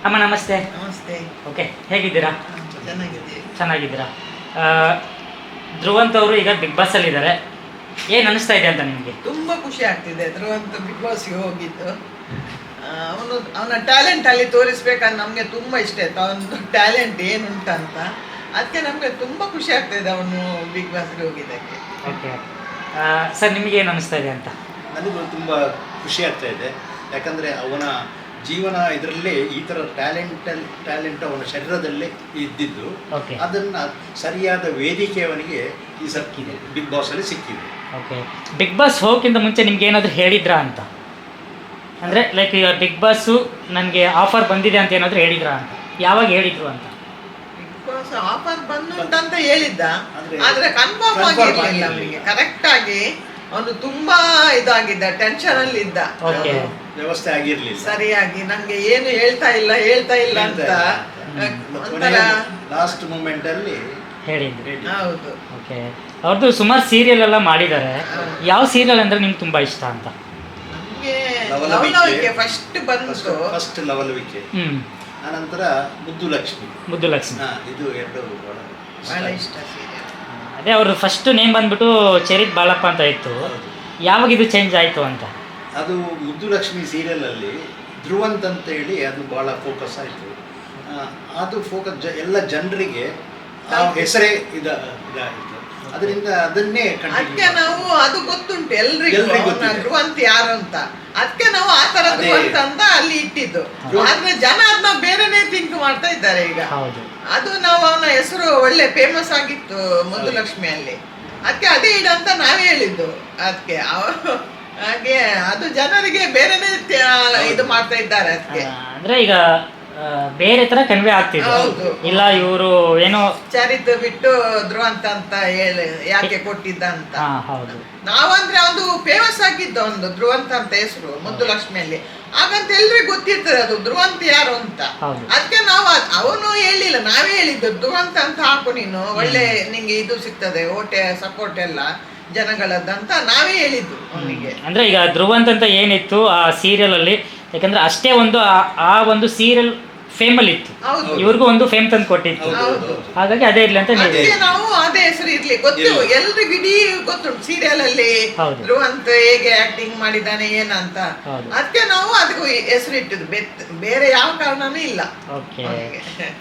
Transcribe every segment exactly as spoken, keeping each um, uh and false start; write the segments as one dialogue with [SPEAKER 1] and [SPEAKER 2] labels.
[SPEAKER 1] ಅಮ್ಮ ನಮಸ್ತೆ.
[SPEAKER 2] ನಮಸ್ತೆ.
[SPEAKER 1] ಓಕೆ, ಹೇಗಿದ್ದೀರಾ?
[SPEAKER 2] ಚೆನ್ನಾಗಿದ್ದೀವಿ.
[SPEAKER 1] ಚೆನ್ನಾಗಿದ್ದೀರಾ? ಧ್ರುವಂತ್ ಅವರು ಈಗ ಬಿಗ್ ಬಾಸಲ್ಲಿ ಇದ್ದಾರೆ. ಏನು ಅನಿಸ್ತಾ ಇದೆ ಅಂತ ನಿಮಗೆ?
[SPEAKER 2] ತುಂಬ ಖುಷಿ ಆಗ್ತಿದೆ ಧ್ರುವಂತ್ ಬಿಗ್ ಬಾಸ್ಗೆ ಹೋಗಿದ್ದು. ಅವನು ಅವನ ಟ್ಯಾಲೆಂಟ್ ಅಲ್ಲಿ ತೋರಿಸ್ಬೇಕಂತ ನಮಗೆ ತುಂಬ ಇಷ್ಟ ಆಯ್ತು. ಅವನದು ಟ್ಯಾಲೆಂಟ್ ಏನುಂಟಂತ ಅದಕ್ಕೆ ನಮಗೆ ತುಂಬ ಖುಷಿ ಆಗ್ತಾಯಿದೆ ಅವನು ಬಿಗ್ ಬಾಸ್ಗೆ ಹೋಗಿದ್ದಕ್ಕೆ.
[SPEAKER 1] ಓಕೆ ಸರ್, ನಿಮಗೆ ಏನು ಅನಿಸ್ತಾ ಇದೆ ಅಂತ?
[SPEAKER 3] ನನಗೂ ತುಂಬ ಖುಷಿ ಆಗ್ತಾ ಇದೆ. ಯಾಕಂದರೆ ಅವನ ಜೀವನ ಇದರಲ್ಲೇ ಈ ಥರ ಟ್ಯಾಲೆಂಟಲ್ ಟ್ಯಾಲೆಂಟ್ ಅವನ ಶರೀರದಲ್ಲೇ ಇದ್ದಿದ್ದು,
[SPEAKER 1] ಓಕೆ,
[SPEAKER 3] ಅದನ್ನು ಸರಿಯಾದ ವೇದಿಕೆ ಅವನಿಗೆ ಈ ಸಿಕ್ಕಿದೆ, ಬಿಗ್ ಬಾಸಲ್ಲಿ ಸಿಕ್ಕಿದೆ.
[SPEAKER 1] ಓಕೆ, ಬಿಗ್ ಬಾಸ್ ಹೋಗೋಕ್ಕಿಂತ ಮುಂಚೆ ನಿಮ್ಗೆ ಏನಾದರೂ ಹೇಳಿದ್ರಾ ಅಂತ? ಅಂದರೆ ಲೈಕ್ ಈಗ ಬಿಗ್ ಬಾಸು ನನಗೆ ಆಫರ್ ಬಂದಿದೆ ಅಂತ ಏನಾದರೂ ಹೇಳಿದ್ರಾ ಅಂತ? ಯಾವಾಗ ಹೇಳಿದ್ರು ಅಂತ?
[SPEAKER 2] ಬಿಗ್ ಬಾಸ್ ಆಫರ್ ಬಂದುಂಟಂತ ಹೇಳಿದ್ದ,
[SPEAKER 3] ಆದ್ರೆ
[SPEAKER 2] ಆದರೆ ಕನ್ಫರ್ಮ್
[SPEAKER 3] confirm
[SPEAKER 2] ಆಗಿರಲಿಲ್ಲ
[SPEAKER 3] ಆಗಿರ್ಲಿಲ್ಲ.
[SPEAKER 2] ಅವನಿಗೆ. ಕರೆಕ್ಟಾಗಿ ಅವನು ತುಂಬಾ ಇದಾಗಿದ್ದ, ಟೆನ್ಷನ್ ಅಲ್ಲಿ ಇದ್ದ.
[SPEAKER 1] ಓಕೆ,
[SPEAKER 3] ವ್ಯವಸ್ಥೆ ಆಗಿರಲಿಲ್ಲ,
[SPEAKER 2] ಸರಿಯಾಗಿ ನಂಗೆ ಏನು ಹೇಳ್ತಾ ಇಲ್ಲ ಹೇಳ್ತಾ ಇಲ್ಲ ಅಂತ ಒಂಥರ.
[SPEAKER 3] ಲಾಸ್ಟ್ ಮೂಮೆಂಟ್ ಅಲ್ಲಿ
[SPEAKER 1] ಹೇಳಿದ್ರು.
[SPEAKER 2] ಹೌದು.
[SPEAKER 1] ಓಕೆ, ಅವ್ರದ್ದು ಸುಮಾರು ಸೀರಿಯಲ್ ಎಲ್ಲ ಮಾಡಿದ್ದಾರೆ. ಯಾವ ಸೀರಿಯಲ್ ಅಂದರೆ ನಿಮ್ಗೆ ತುಂಬ ಇಷ್ಟ ಅಂತ?
[SPEAKER 2] ನಮ್ಗೆ
[SPEAKER 3] ಲವಲವಿಕೆ.
[SPEAKER 2] ಲವಲವಿಕೆ ಫಸ್ಟ್ ಬಂತು.
[SPEAKER 3] ಫಸ್ಟ್ ಲವಲವಿಕೆ,
[SPEAKER 1] ಹ್ಞೂ,
[SPEAKER 3] ಆನಂತರ ಮುದ್ದು ಲಕ್ಷ್ಮಿ.
[SPEAKER 1] ಮುದ್ದು ಲಕ್ಷ್ಮಿ,
[SPEAKER 3] ಹಾ, ಇದು ಎರಡು ಬಹಳ
[SPEAKER 2] ಬಹಳ ಇಷ್ಟ ಸೀರಿಯಲ್.
[SPEAKER 1] ಅದೇ ಅವ್ರ ಫಸ್ಟ್ ನೇಮ್ ಬಂದ್ಬಿಟ್ಟು ಚರಿತ್ ಬಾಳಪ್ಪ ಅಂತ ಇತ್ತು.
[SPEAKER 3] ಹೌದು.
[SPEAKER 1] ಯಾವಾಗ ಇದು ಚೇಂಜ್ ಆಯಿತು ಅಂತ?
[SPEAKER 3] ಅದು ಮುದ್ದು ಲಕ್ಷ್ಮಿ ಸೀರಿಯಲಲ್ಲಿ ಧ್ರುವಂತ್ ಅಂತ ಹೇಳಿ ಅದು ಭಾಳ ಫೋಕಸ್ ಆಯಿತು. ಅದು ಫೋಕಸ್ ಜ ಎಲ್ಲ ಜನರಿಗೆ ಆ ಹೆಸರೇ ಇದ ಇದಾಯಿತು. ಅದರಿಂದ ಅದನ್ನೇ
[SPEAKER 2] ಅದಕ್ಕೆ
[SPEAKER 3] ಕಂಟಿನ್ಯೂ.
[SPEAKER 2] ನಾವು ಅದು ಗೊತ್ತುಂಟು ಎಲ್ರಿಗೂ
[SPEAKER 3] ಎಲ್ರಿಗೂ
[SPEAKER 2] ಅವ್ನ
[SPEAKER 3] ಗೊತ್ತಿದೆ.
[SPEAKER 2] ಧ್ರುವಂತ್ ಯಾರು ಅಂತ. ಅದಕ್ಕೆ ನಾವು ಆ ತರ
[SPEAKER 3] ಅದೇ.
[SPEAKER 2] ಧ್ರುವಂತ್ ಅಂತ ಅಲ್ಲಿ ಇಟ್ಟಿದ್ದು. ಆದ್ರೆ ಜನ ಅದನ್ನ ಬೇರೆನೇ ಥಿಂಕ್ ಮಾಡ್ತಾ ಇದ್ದಾರೆ ಈಗ.
[SPEAKER 1] ಹೌದು.
[SPEAKER 2] ಅದು ನಾವು ಅವನ ಹೆಸರು ಒಳ್ಳೆ ಫೇಮಸ್ ಆಗಿತ್ತು ಮುದ್ದು ಲಕ್ಷ್ಮಿಯಲ್ಲಿ, ಅದಕ್ಕೆ ಅದೇ ಇಡ ಅಂತ ನಾವೇ ಹೇಳಿದ್ದು. ಅದಕ್ಕೆ ಹಾಗೆ ಅದು ಜನರಿಗೆ ಬೇರೆನೇ ತ- ಇದು ಮಾಡ್ತಾ ಇದ್ದಾರೆ ಅದಕ್ಕೆ.
[SPEAKER 1] ಅಂದರೆ ಈಗ ಆ, ಬೇರೆ ಥರ ಕನ್ವೆ ಆಗ್ತಿದೆ.
[SPEAKER 2] ಹೌದು.
[SPEAKER 1] ಇಲ್ಲ ಇವರು ಏನೋ
[SPEAKER 2] ಚರಿತ್ ಬಿಟ್ಟು ಧ್ರುವಂತ್ ಅಂತ ಹೇಳಿ ಯಾಕೆ ಕೊಟ್ಟಿದ್ದ ಅಂತ.
[SPEAKER 1] ಹಾಂ, ಹೌದು.
[SPEAKER 2] ನಾವಂದ್ರೆ ಒಂದು ಫೇಮಸ್ ಆಗಿದ್ದು ಒಂದು ಧ್ರುವಂತ್ ಅಂತ ಹೆಸರು ಮುದ್ದು ಲಕ್ಷ್ಮಿಯಲ್ಲಿ. ಹಾಗಂತ ಎಲ್ರಿಗೂ ಗೊತ್ತಿರ್ತದೆ ಅದು ಧ್ರುವಂತ್ ಯಾರು ಅಂತ.
[SPEAKER 1] ಹೌದು.
[SPEAKER 2] ಅದಕ್ಕೆ ನಾವು ಅದ್- ಅವನು ಹೇಳಿಲ್ಲ, ನಾವೇ ಹೇಳಿದ್ದು ಧ್ರುವಂತ್ ಅಂತ ಹಾಕು ನೀನು, ಒಳ್ಳೆ ನಿಂಗೆ ಇದು ಸಿಗ್ತದೆ, ಓಟೆ ಸಪೋರ್ಟ್ ಎಲ್ಲ ಜನಗಳದ್ದಂತ ನಾವೇ ಹೇಳಿದ್ದು ಅವನಿಗೆ.
[SPEAKER 1] ಅಂದರೆ ಈಗ ಧ್ರುವಂತ್ ಅಂತ ಏನಿತ್ತು ಆ ಸೀರಿಯಲಲ್ಲಿ, ಯಾಕಂದರೆ ಅಷ್ಟೇ ಒಂದು ಆ- ಆ ಒಂದು ಸೀರಿಯಲ್ ಫೇಮಲ್ಲಿ ಇತ್ತು.
[SPEAKER 2] ಹೌದು.
[SPEAKER 1] ಇವ್ರಿಗೂ ಒಂದು ಫೇಮ್ ತಂದು ಕೊಟ್ಟಿತ್ತು.
[SPEAKER 3] ಹೌದು, ಹೌದು, ಹೌದು.
[SPEAKER 1] ಹಾಗಾಗಿ ಅದೇ ಇರಲಿ ಅಂತ ನೀವು.
[SPEAKER 2] ಅದಕ್ಕೆ ನಾವು ಅದೇ ಹೆಸರು ಇರ್ಲಿ ಗೊತ್ತು,
[SPEAKER 3] ಇರ್ಲಿ.
[SPEAKER 2] ಎಲ್ರಿಗೂ ಇಡೀ ಗೊತ್ತುಂಟು ಸೀರಿಯಲ್ ಅಲ್ಲಿ
[SPEAKER 1] ಹೌದು.
[SPEAKER 2] ಧ್ರುವಂತ್ ಹೇಗೆ ಆಕ್ಟಿಂಗ್ ಮಾಡಿದ್ದಾನೆ ಏನಂತ.
[SPEAKER 1] ಹೌದು.
[SPEAKER 2] ಅದಕ್ಕೆ ನಾವು ಅದಕ್ಕೂ ಹೆಸರು ಇಟ್ಟಿದ್ದು, ಬೆತ್- ಬೇರೆ ಯಾವ ಕಾರಣನೂ ಇಲ್ಲ
[SPEAKER 1] ಓಕೆ,
[SPEAKER 2] ಅವನಿಗೆ.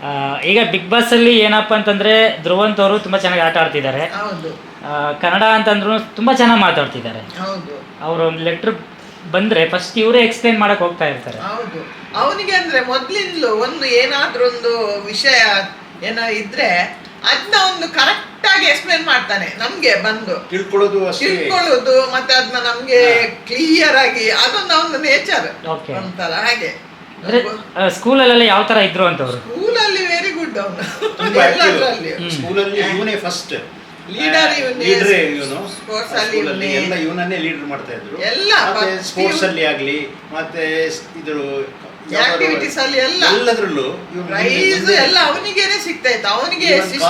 [SPEAKER 1] ಈಗ ಬಿಗ್ ಬಾಸಲ್ಲಿ ಏನಪ್ಪ ಅಂತಂದರೆ ಧ್ರುವಂತ್ ಅವರು ತುಂಬ ಚೆನ್ನಾಗಿ ಆಟ ಆಡ್ತಿದ್ದಾರೆ.
[SPEAKER 2] ಹೌದು
[SPEAKER 1] ಆ, ಕನ್ನಡ ಅಂತಂದ್ರೂ ತುಂಬ ಚೆನ್ನಾಗಿ ಮಾತಾಡ್ತಿದ್ದಾರೆ.
[SPEAKER 2] ಹೌದು
[SPEAKER 1] ಅವರು ಒಂದು ಲೆಟ್ರ್ ಬಂದರೆ ಫಸ್ಟ್ ಇವರೇ ಎಕ್ಸ್ಪ್ಲೇನ್ ಮಾಡಕ್ಕೆ ಹೋಗ್ತಾ ಇರ್ತಾರೆ.
[SPEAKER 2] ಹೌದು. ಅವನಿಗೆ ಅಂದ್ರೆ ಮೊದ್ಲಿಂದಲೂ ಒಂದು ಏನಾದ್ರೂ ಒಂದು ವಿಷಯ ಏನೋ ಇದ್ರೆ ಅದನ್ನ ಒಂದು ಕರೆಕ್ಟ್ ಆಗಿ ಎಕ್ಸ್ಪ್ಲೇನ್ ಮಾಡ್ತಾನೆ ನಮ್ಗೆ ಬಂದು
[SPEAKER 3] ತಿಳ್ಕೊಳ್ಳೋದು ಅಷ್ಟೇ.
[SPEAKER 2] ತಿಳ್ಕೊಳ್ಳೋದು, ಮತ್ತೆ ಅದನ್ನ ನಮ್ಗೆ ಕ್ಲಿಯರ್ ಆಗಿ, ಅದೊಂದು ಒಂದು ನೇಚರ್
[SPEAKER 1] Okay.
[SPEAKER 2] ಒಂಥರ ಹಾಗೆ.
[SPEAKER 1] ಅಂದರೆ ಸ್ಕೂಲಲ್ಲೆಲ್ಲ ಯಾವ ಥರ ಇದ್ರು ಅಂತವ್ರು?
[SPEAKER 2] ಸ್ಕೂಲಲ್ಲಿ ವೆರಿ ಗುಡ್ ಅವನು
[SPEAKER 3] ತುಂಬಾ active.
[SPEAKER 2] ಎಲ್ಲದರಲ್ಲಿ
[SPEAKER 3] ಸ್ಕೂಲಲ್ಲಿ ಇವನೇ ಫಸ್ಟ್
[SPEAKER 2] ಲೀಡರ್ ಇವನೇ,
[SPEAKER 3] ಲೀಡರ್ ಇವನು.
[SPEAKER 2] ಸ್ಪೋರ್ಟ್ಸ್ ಅಲ್ಲಿ
[SPEAKER 3] ಸ್ಕೂಲಲ್ಲಿ
[SPEAKER 2] ಇವನೇ,
[SPEAKER 3] ಎಲ್ಲ ಇವನನ್ನೇ ಲೀಡರ್ ಮಾಡ್ತಾ ಇದ್ರು.
[SPEAKER 2] ಎಲ್ಲ
[SPEAKER 3] ಮತ್ತೆ
[SPEAKER 2] first
[SPEAKER 3] ಸ್ಪೋರ್ಟ್ಸ್
[SPEAKER 2] ಇವ್ನು-
[SPEAKER 3] ಅಲ್ಲಿ ಆಗ್ಲಿ, ಮತ್ತೆ ಇದು
[SPEAKER 2] ಆಕ್ಟಿವಿಟೀಸ್ ಅಲ್ಲಿ ಎಲ್ಲ
[SPEAKER 3] ಎಲ್ಲದರಲ್ಲೂ
[SPEAKER 2] ಪ್ರೈಸ್ ಎಲ್ಲ ಅವನಿಗೇನೆ ಸಿಗ್ತಾ ಇತ್ತು. ಅವನಿಗೆ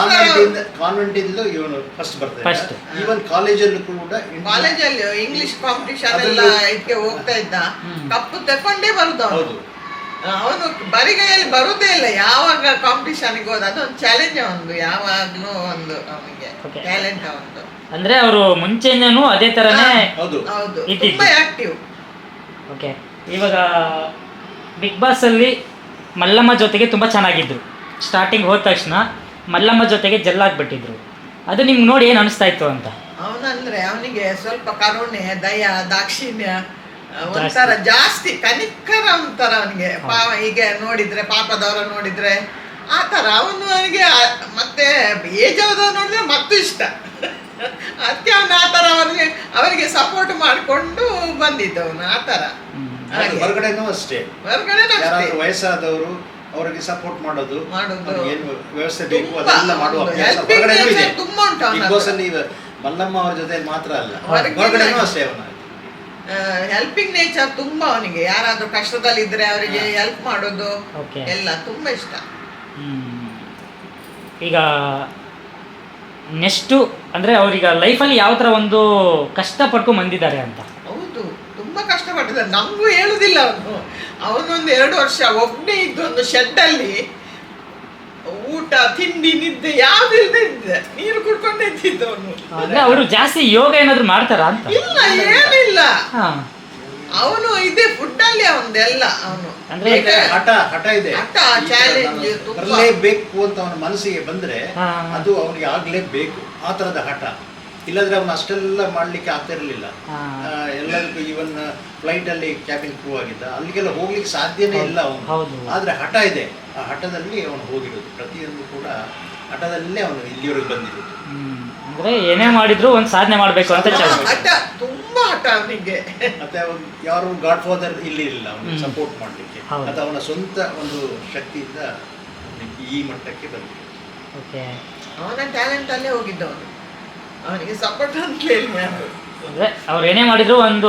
[SPEAKER 3] ಕಾನ್ವೆಂಟ್ ಇಂದ ಇವನು ಫಸ್ಟ್ ಬರ್ತಾ
[SPEAKER 1] First.
[SPEAKER 3] ಇದ್ದ. ಈವನ್ ಕಾಲೇಜಲ್ಲೂ ಕೂಡ
[SPEAKER 2] ಕಾಲೇಜಲ್ಲಿ ಇಂಗ್ಲಿಷ್ ಕಾಂಪಿಟಿಷನ್ ಎಲ್ಲ
[SPEAKER 3] ಅದ್ರಲ್ಲೂ-
[SPEAKER 2] ಇದಕ್ಕೆ ಹೋಗ್ತಾ ಇದ್ದ,
[SPEAKER 1] ಹ್ಮ್.
[SPEAKER 2] ಕಪ್ಪು ತಕೊಂಡೇ ಬರುದು ಅವನು.
[SPEAKER 3] ಹೌದು.
[SPEAKER 2] ಅವನು ಬರಿಗೈಯಲ್ಲಿ ಬರುದೇ ಇಲ್ಲ ಯಾವಾಗ ಕಾಂಪಿಟಿಷನ್ಗೆ ಹೋದ. ಅದೊಂದು ಚಾಲೆಂಜ್ ಒಂದು, ಯಾವಾಗ್ಲೂ ಒಂದು ಅವನಿಗೆ
[SPEAKER 1] Okay.
[SPEAKER 2] ಟ್ಯಾಲೆಂಟ್ ಅವನು.
[SPEAKER 1] ಅಂದರೆ ಅವರು ಮುಂಚೆನೂ ಅದೇ ಥರನೇ.
[SPEAKER 3] ಹೌದು.
[SPEAKER 2] ಹೌದು,
[SPEAKER 1] ಇದ್ದಿದ್ದು.
[SPEAKER 2] ತುಂಬಾ ಆಕ್ಟಿವ್.
[SPEAKER 1] ಓಕೆ, ಇವಾಗ ಬಿಗ್ ಬಾಸಲ್ಲಿ ಮಲ್ಲಮ್ಮ ಜೊತೆಗೆ ತುಂಬ ಚೆನ್ನಾಗಿದ್ರು. ಸ್ಟಾರ್ಟಿಂಗ್ ಹೋದ ತಕ್ಷಣ ಮಲ್ಲಮ್ಮ ಜೊತೆಗೆ ಜಲ್ಲಾಗ್ಬಿಟ್ಟಿದ್ರು. ಅದು ನಿಮ್ಗೆ ನೋಡಿ ಏನು ಅನಿಸ್ತಾ ಇತ್ತು ಅಂತ?
[SPEAKER 2] ಅವನಂದ್ರೆ ಅವನಿಗೆ ಸ್ವಲ್ಪ ಕರುಣೆ, ದಯ, ದಾಕ್ಷಿಣ್ಯ ಒಂಥರ ಜಾಸ್ತಿ, ಕನಿಕರ ಒಂಥರ ಅವನಿಗೆ. ಪಾಪ ಹೀಗೆ ನೋಡಿದ್ರೆ, ಪಾಪದವರ ನೋಡಿದ್ರೆ ಆ ಥರ ಅವನು ಅವನಿಗೆ. ಮತ್ತೆ ಏಜ್ ಆದವ್ರು ನೋಡಿದ್ರೆ ಮತ್ತೂ ಇಷ್ಟ. ಅದಕ್ಕೆ ಅವನು ಆ ಥರ ಅವನಿಗೆ ಅವರಿಗೆ ಸಪೋರ್ಟ್ ಮಾಡಿಕೊಂಡು ಬಂದಿದ್ದವನು ಆ ಥರ.
[SPEAKER 3] ಅದು ಹೊರಗಡೆನೂ ಅಷ್ಟೇ,
[SPEAKER 2] ಹೊರಗಡೆ
[SPEAKER 3] ಯಾರಾದ್ರೂ ವಯಸ್ಸಾದವರು ಅವರಿಗೆ ಸಪೋರ್ಟ್ ಮಾಡೋದು,
[SPEAKER 2] ಮಾಡೋದು.
[SPEAKER 3] ಅವ್ರಿಗೆ ಏನು ವ್ಯವಸ್ಥೆ ಬೇಕು
[SPEAKER 2] ತುಂಬಾ
[SPEAKER 3] ಅದೆಲ್ಲ ಮಾಡುವ
[SPEAKER 2] ಒಂದು
[SPEAKER 3] ಅಭ್ಯಾಸ
[SPEAKER 2] helping
[SPEAKER 3] ಹೊರಗಡೆನೂ ಇದೆ.
[SPEAKER 2] nature ತುಂಬಾ ಉಂಟು ಅವನ
[SPEAKER 3] ಬಿಗ್ ಬಾಸ್ ಅಲ್ಲಿ ಇವ- ಮಲ್ಲಮ್ಮ ಅವ್ರ ಜೊತೆ ಮಾತ್ರ ಅಲ್ಲ,
[SPEAKER 2] ಹೊರಗೆ
[SPEAKER 3] ಹೊರಗಡೆನೂ ಅಷ್ಟೇ ಅವನ.
[SPEAKER 2] ಹೆಲ್ಪಿಂಗ್ ನೇಚರ್ ತುಂಬಾ ಅವನಿಗೆ. ಯಾರಾದ್ರೂ ಕಷ್ಟದಲ್ಲಿದ್ರೆ ಅವರಿಗೆ ಹೆಲ್ಪ್ ಮಾಡೋದು
[SPEAKER 1] ಓಕೆ.
[SPEAKER 2] ಎಲ್ಲ ತುಂಬಾ ಇಷ್ಟ.
[SPEAKER 1] ಹ್ಮ್. ಈಗ ನೆಕ್ಸ್ಟು ಅಂದರೆ ಅವ್ರೀಗ ಲೈಫಲ್ಲಿ ಯಾವ ಥರ ಒಂದು ಕಷ್ಟಪಟ್ಟು ಬಂದಿದ್ದಾರೆ ಅಂತ?
[SPEAKER 2] ಹೌದು, ತುಂಬಾ ಕಷ್ಟಪಟ್ಟಿದ್ದಾರೆ. ನಮಗೂ ಹೇಳುದಿಲ್ಲ ಅವನು. ಅವನೊಂದು ಎರಡು ವರ್ಷ ಒಬ್ಬನೇ ಇದ್ದೊಂದು ಶೆಡ್ ಅಲ್ಲಿ ಊಟ ತಿಂಡಿ ನಿದ್ದೆ ಯಾವ್ದು ಇಲ್ಲದೆ ಇದ್ದೆ, ನೀರು ಕುಡ್ಕೊಂಡೇ ಇದ್ದಿದ್ದು ಅವನು.
[SPEAKER 1] ಅಂದ್ರೆ ಅವರು ಜಾಸ್ತಿ ಯೋಗ ಏನಾದ್ರು ಮಾಡ್ತಾರಾ ಅಂತ?
[SPEAKER 2] ಇಲ್ಲ, ಏನಿಲ್ಲ.
[SPEAKER 1] ಹಾ.
[SPEAKER 2] ಅವನು ಇದೆ ಫುಡ್ ಅಲ್ಲಿ ಅವನದೆಲ್ಲ. ಅವನು
[SPEAKER 1] ಅಂದ್ರೆ
[SPEAKER 3] ಹಠ ಹಠ ಇದೆ,
[SPEAKER 2] ಹಠ ಚಾಲೆಂಜ್
[SPEAKER 3] ಬರಲೇಬೇಕು ಅಂತ ಅವನ ಮನಸ್ಸಿಗೆ ಬಂದ್ರೆ
[SPEAKER 1] ಹಾ.
[SPEAKER 3] ಅದು ಅವನಿಗೆ ಆಗ್ಲೇಬೇಕು, ಆ ತರದ ಹಠ. ಇಲ್ಲದ್ರೆ ಅವನು ಅಷ್ಟೆಲ್ಲ ಮಾಡ್ಲಿಕ್ಕೆ ಆಗ್ತಾ ಇರಲಿಲ್ಲ.
[SPEAKER 1] ಹಾ.
[SPEAKER 3] ಎಲ್ಲರಿಗೂ ಇವನ್ ಫ್ಲೈಟ್ ಅಲ್ಲಿ ಕ್ಯಾಬಿನ್ ಕ್ರೂ ಆಗಿದ್ದ, ಅಲ್ಲಿಗೆಲ್ಲ ಹೋಗ್ಲಿಕ್ಕೆ ಸಾಧ್ಯನೇ ಇಲ್ಲ ಅವನು.
[SPEAKER 1] ಹೌದು.
[SPEAKER 3] ಆದ್ರೆ ಹಠ ಇದೆ, ಆ ಹಠದಲ್ಲಿ ಅವನು ಹೋಗಿರೋದು. ಪ್ರತಿಯೊಂದು ಕೂಡ ಹಠದಲ್ಲೇ ಅವನು ಇಲ್ಲಿವರೆಗೆ ಬಂದಿರೋದು.
[SPEAKER 1] ಹ್ಮ್. ಅಂದ್ರೆ ಏನೇ ಮಾಡಿದ್ರು ಒಂದ್ ಸಾಧನೆ ಮಾಡ್ಬೇಕು ಅಂತ ಚಾಲ.
[SPEAKER 2] ಹಠ, ತುಂಬಾ ಹಠ ಅವನಿಗೆ.
[SPEAKER 3] ಮತ್ತೆ ಅವನು ಯಾರು ಗಾಡ್ ಫಾದರ್ ಇಲ್ಲಿ ಇಲ್ಲ ಅವನಿಗೆ
[SPEAKER 1] ಹ್ಮ್.
[SPEAKER 3] ಸಪೋರ್ಟ್ ಮಾಡ್ಲಿಕ್ಕೆ.
[SPEAKER 1] ಹೌದು.
[SPEAKER 3] ಅದು ಅವನ ಸ್ವಂತ ಒಂದು ಶಕ್ತಿಯಿಂದ ಅವನಿಗೆ ಈ ಮಟ್ಟಕ್ಕೆ ಬಂದಿರೋದು.
[SPEAKER 1] ಓಕೆ.
[SPEAKER 2] ಅವನ ಟ್ಯಾಲೆಂಟ್ ಅಲ್ಲೇ ಹೋಗಿದ್ದವನು, ಅವನಿಗೆ ಸಪೋರ್ಟ್ ಅಂತ ಹೇಳಿ ಯಾರು.
[SPEAKER 1] ಅಂದ್ರೆ ಅವ್ರು ಏನೇ ಮಾಡಿದ್ರು ಒಂದು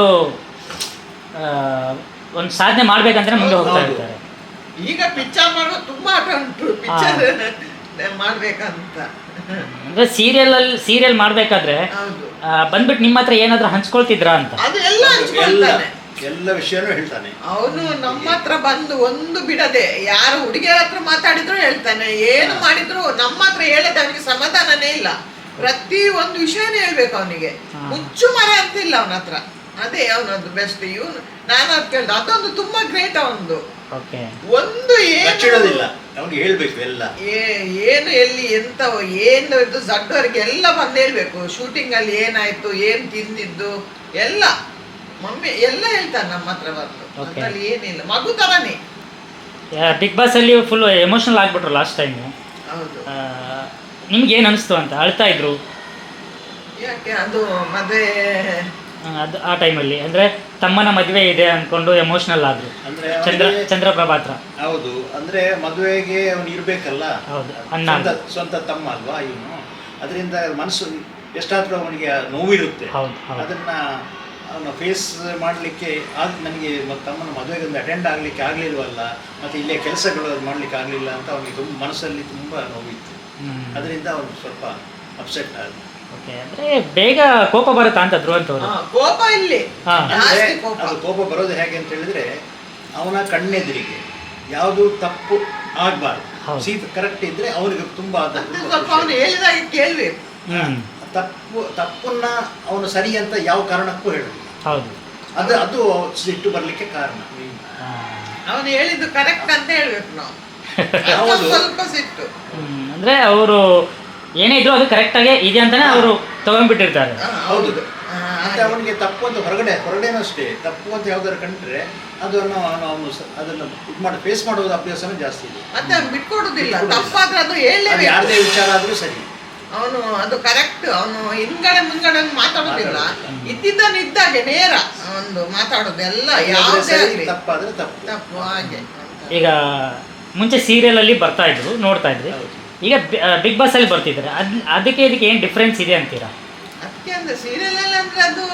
[SPEAKER 1] ಆ, ಒಂದು ಸಾಧನೆ ಮಾಡ್ಬೇಕಂದ್ರೆ ಮುಂದೆ ಹೋಗ್ತಾ
[SPEAKER 3] ಹೌದು.
[SPEAKER 1] ಇರ್ತಾರೆ.
[SPEAKER 2] ಈಗ ಪಿಕ್ಚರ್ ಮಾಡುವ ತುಂಬಾ ಹಠ ಉಂಟು, ಪಿಕ್ಚರ್ ಮಾಡ್ಬೇಕಂತ.
[SPEAKER 1] ಅಂದ್ರೆ ಸೀರಿಯಲ್ ಅಲ್ಲಿ ಸೀರಿಯಲ್ ಮಾಡ್ಬೇಕಾದ್ರೆ
[SPEAKER 2] ಹೌದು,
[SPEAKER 1] ಆ, ಬಂದ್ಬಿಟ್ಟು ನಿಮ್ಮ ಹತ್ರ ಏನಾದ್ರು ಹಂಚ್ಕೊಳ್ತಿದ್ರಾ ಅಂತ?
[SPEAKER 2] ಅದು ಎಲ್ಲ
[SPEAKER 3] ಎಲ್ಲ
[SPEAKER 2] ಹಂಚ್ಕೊಳ್ತಾನೆ
[SPEAKER 3] ಎಲ್ಲ ವಿಷಯನೂ ಹೇಳ್ತಾನೆ
[SPEAKER 2] ಅವನು. ನಮ್ಮ ಹತ್ರ ಬಂದು ಒಂದು ಬಿಡದೆ ಯಾರು ಹುಡುಗಿಯರ ಹತ್ರ ಮಾತಾಡಿದ್ರು ಹೇಳ್ತಾನೆ, ಏನು ಮಾಡಿದ್ರು ನಮ್ಮ ಹತ್ರ ಹೇಳದೆ ಅವನಿಗೆ ಸಮಾಧಾನನೇ ಇಲ್ಲ. ಪ್ರತಿ ಒಂದು ವಿಷಯನೇ ಹೇಳ್ಬೇಕು ಅವನಿಗೆ,
[SPEAKER 1] ಹಾ.
[SPEAKER 2] ಮುಚ್ಚು ಮರ ಅಂತ ಇಲ್ಲ ಅವನ ಹತ್ರ. ಅದೇ ಅವನದ್ದು ಬೆಸ್ಟ್. ಇವನು ನಾನು ಅದು ಕೇಳ್ದೆ, ಅದೊಂದು ತುಂಬಾ ಗ್ರೇಟ್ ಅವನದು.
[SPEAKER 1] ಓಕೆ.
[SPEAKER 2] ಒಂದು ಏನು
[SPEAKER 3] ಬಚ್ಚಿಡೋದಿಲ್ಲ, ಅವನಿಗೆ ಹೇಳ್ಬೇಕು ಎಲ್ಲ.
[SPEAKER 2] ಏ- ಏನು ಎಲ್ಲಿ ಎಂತ ಏನು ಇದು ಜಡ್ಡವರೆಗೆ ಎಲ್ಲ ಬಂದು ಹೇಳ್ಬೇಕು. ಶೂಟಿಂಗ್ ಅಲ್ಲಿ ಏನಾಯ್ತು, ಏನ್ ತಿಂದಿದ್ದು ಎಲ್ಲ ಮಮ್ಮಿ ಎಲ್ಲ ಹೇಳ್ತಾನೆ ನಮ್ಮ ಹತ್ರ ಬಂದು.
[SPEAKER 1] Okay.
[SPEAKER 2] ಅದ್ರಲ್ಲಿ ಏನಿಲ್ಲ, ಮಗು ತರನೇ.
[SPEAKER 1] ಬಿಗ್ ಬಾಸ್ ಅಲ್ಲಿ ಫುಲ್ ಎಮೋಷನಲ್ ಆಗ್ಬಿಟ್ರು ಲಾಸ್ಟ್ ಟೈಮ್.
[SPEAKER 2] ಹೌದು.
[SPEAKER 1] ನಿಮ್ಗೆ ಏನು ಅನಿಸ್ತು ಅಂತ? ಅಳ್ತಾ ಇದ್ರು
[SPEAKER 2] ಯಾಕೆ ಅದು ಮದುವೆ
[SPEAKER 1] ಆ, ಅದು ಆ ಟೈಮಲ್ಲಿ ಅಂದ್ರೆ ತಮ್ಮನ ಮದುವೆ ಇದೆ ಅನ್ಕೊಂಡು ಎಮೋಷನಲ್ ಆದ್ರು
[SPEAKER 3] ಅಂದ್ರೆ
[SPEAKER 1] ಚಂದ್ರ
[SPEAKER 3] ಅವನಿಗೆ-
[SPEAKER 1] ಚಂದ್ರಪ್ರಭಾ ಹತ್ರ.
[SPEAKER 3] ಹೌದು, ಅಂದ್ರೆ ಮದುವೆಗೆ ಅವನು ಇರ್ಬೇಕಲ್ಲ,
[SPEAKER 1] ಹೌದು, ಅಣ್ಣ.
[SPEAKER 3] ಸ್ವಂತ ಸ್ವಂತ ತಮ್ಮ ಅಲ್ವಾ ಇವನು. ಅದರಿಂದ ಮನಸ್ಸು ಎಷ್ಟಾದ್ರೂ ಅವನಿಗೆ ನೋವಿರುತ್ತೆ.
[SPEAKER 1] ಹೌದು, ಹೌದು.
[SPEAKER 3] ಅದನ್ನ ಅವನು ಫೇಸ್ ಮಾಡಲಿಕ್ಕೆ ಆಗ ನನಗೆ ತಮ್ಮನ ಮದುವೆಗೆ ಒಂದು ಅಟೆಂಡ್ ಆಗಲಿಕ್ಕೆ ಆಗಲಿಲ್ವಲ್ಲ, ಮತ್ತು ಇಲ್ಲೇ ಕೆಲಸಗಳು ಮಾಡಲಿಕ್ಕೆ ಆಗಲಿಲ್ಲ ಅಂತ ಅವನಿಗೆ ತುಂಬ ಮನಸ್ಸಲ್ಲಿ ತುಂಬ ನೋವಿತ್ತು.
[SPEAKER 1] ಹ್ಮ್.
[SPEAKER 3] ಅದರಿಂದ ಅವನು ಸ್ವಲ್ಪ ಅಪ್ಸೆಟ್ ಆದ.
[SPEAKER 1] ಓಕೆ. ಅಂದ್ರೆ ಬೇಗ ಕೋಪ ಬರುತ್ತಾ ಅಂತ ಧ್ರುವಂತವ್ರು?
[SPEAKER 2] ಹಾ, ಕೋಪ ಇಲ್ಲಿ
[SPEAKER 1] ಹಾ.
[SPEAKER 3] ಅಂದ್ರೆ
[SPEAKER 2] ಜಾಸ್ತಿ ಕೋಪ.
[SPEAKER 3] ಅದು ಕೋಪ ಬರೋದು ಹೇಗೆ ಅಂತ ಹೇಳಿದ್ರೆ, ಅವನ ಕಣ್ಣೆದುರಿಗೆ ಯಾವುದು ತಪ್ಪು ಆಗಬಾರ್ದು.
[SPEAKER 1] ಹೌದು.
[SPEAKER 3] ಸೀಟ್ ಕರೆಕ್ಟ್ ಇದ್ರೆ ಅವನಿಗೆ ತುಂಬಾ ಅದು
[SPEAKER 2] ಮತ್ತೆ
[SPEAKER 3] ತುಂಬಾ
[SPEAKER 2] ಸ್ವಲ್ಪ
[SPEAKER 3] ಖುಷಿ.
[SPEAKER 2] ಅವನು ಹೇಳಿದಾಗ ಕೇಳ್ಬೇಕು.
[SPEAKER 1] ಹ್ಮ್.
[SPEAKER 3] ತಪ್ಪು ತಪ್ಪನ್ನ ಅವನು ಸರಿ ಅಂತ ಯಾವ ಕಾರಣಕ್ಕೂ ಹೇಳುದಿಲ್ಲ.
[SPEAKER 1] ಹೌದು.
[SPEAKER 3] ಅದು ಅದು ಸಿಟ್ಟು ಬರ್ಲಿಕ್ಕೆ ಕಾರಣ.
[SPEAKER 1] ಆ,
[SPEAKER 2] ಅವನು ಹೇಳಿದ್ದು ಕರೆಕ್ಟ್ ಅಂತ ಹೇಳ್ಬೇಕು ನಾವು.
[SPEAKER 3] ಹೌದು.
[SPEAKER 2] ಅದು ಸ್ವಲ್ಪ ಸಿಟ್ಟು.
[SPEAKER 1] ಹ್ಮ್. ಅಂದ್ರೆ ಅವರು ಏನೇ ಇದ್ರು ಅದು ಕರೆಕ್ಟ್ ಆಗಿ ಇದೆ ಅಂತಾನೆ ಅವರು ತಗೊಂಡ್ಬಿಟ್ಟಿರ್ತಾರೆ.
[SPEAKER 2] ಹಾ,
[SPEAKER 3] ಹೌದು.
[SPEAKER 2] ಹಾ,
[SPEAKER 3] ಮತ್ತೆ ಅವನಿಗೆ ತಪ್ಪು ಅಂತ ಹೊರಗಡೆ ಹೊರಗಡೆನೂ ಅಷ್ಟೇ, ತಪ್ಪು ಅಂತ ಯಾವ್ದಾರು ಕಂಡ್ರೆ ಅದನ್ನು ಅವನು ಅವನು ಸ- ಅದನ್ನು ಇದು ಮಾಡಿ ಫೇಸ್ ಮಾಡೋದು ಅಭ್ಯಾಸನೂ ಜಾಸ್ತಿ ಇದೆ.
[SPEAKER 2] ಮತ್ತೆ ಅವ್ನು ಬಿಟ್ಕೊಡುದಿಲ್ಲ.
[SPEAKER 3] ಬಿಟ್ಕೊಡುದಿಲ್ಲ.
[SPEAKER 2] ತಪ್ಪಾದ್ರೆ ಅದು
[SPEAKER 3] ಅದು
[SPEAKER 2] ಹೇಳಲೇಬೇಕು.
[SPEAKER 3] ಯಾರದೇ ವಿಚಾರ ಆದ್ರೂ ಸರಿ.
[SPEAKER 2] ಅವನು ಅದು ಕರೆಕ್ಟ್. ಅವನು ಹಿಂದ್ಗಡೆ ಮುಂದ್ಗಡೆ ಮಾತಾಡೋದಿಲ್ಲ,
[SPEAKER 3] ಮಾತಾಡೋದಿಲ್ಲ.
[SPEAKER 2] ಇದ್ದಿದ್ದನ್ನು ಇದ್ದಾಗೆ ನೇರ ಒಂದು ಮಾತಾಡೋದು ಎಲ್ಲ
[SPEAKER 3] ಅದಾದ್ರೆ
[SPEAKER 2] ಯಾವುದೇ
[SPEAKER 3] ಸರಿ,
[SPEAKER 2] ಆಗ್ಲಿ
[SPEAKER 3] ತಪ್ಪಾದ್ರೆ ತಪ್ಪು.
[SPEAKER 2] ತಪ್ಪು ಹಾಗೆ.
[SPEAKER 1] ಈಗ ಮುಂಚೆ ಸೀರಿಯಲ್ ಅಲ್ಲಿ ಬರ್ತಾ ಇದ್ರು, ನೋಡ್ತಾ ಇದ್ರಿ.
[SPEAKER 3] ಹೌದು.
[SPEAKER 1] ಈಗ ಬಿಗ್ ಬಾಸ್ ಅಲ್ಲಿ ಬರ್ತಿದ್ದಾರೆ. ಅದ್ ಅದಕ್ಕೆ ಇದಕ್ಕೆ ಏನು ಡಿಫ್ರೆನ್ಸ್ ಇದೆ ಅಂತೀರಾ?
[SPEAKER 2] ಅದಕ್ಕೆ ಅಂದ್ರೆ ಸೀರಿಯಲ್ ಅಲ್ಲಿ ಅಂದ್ರೆ ಅದು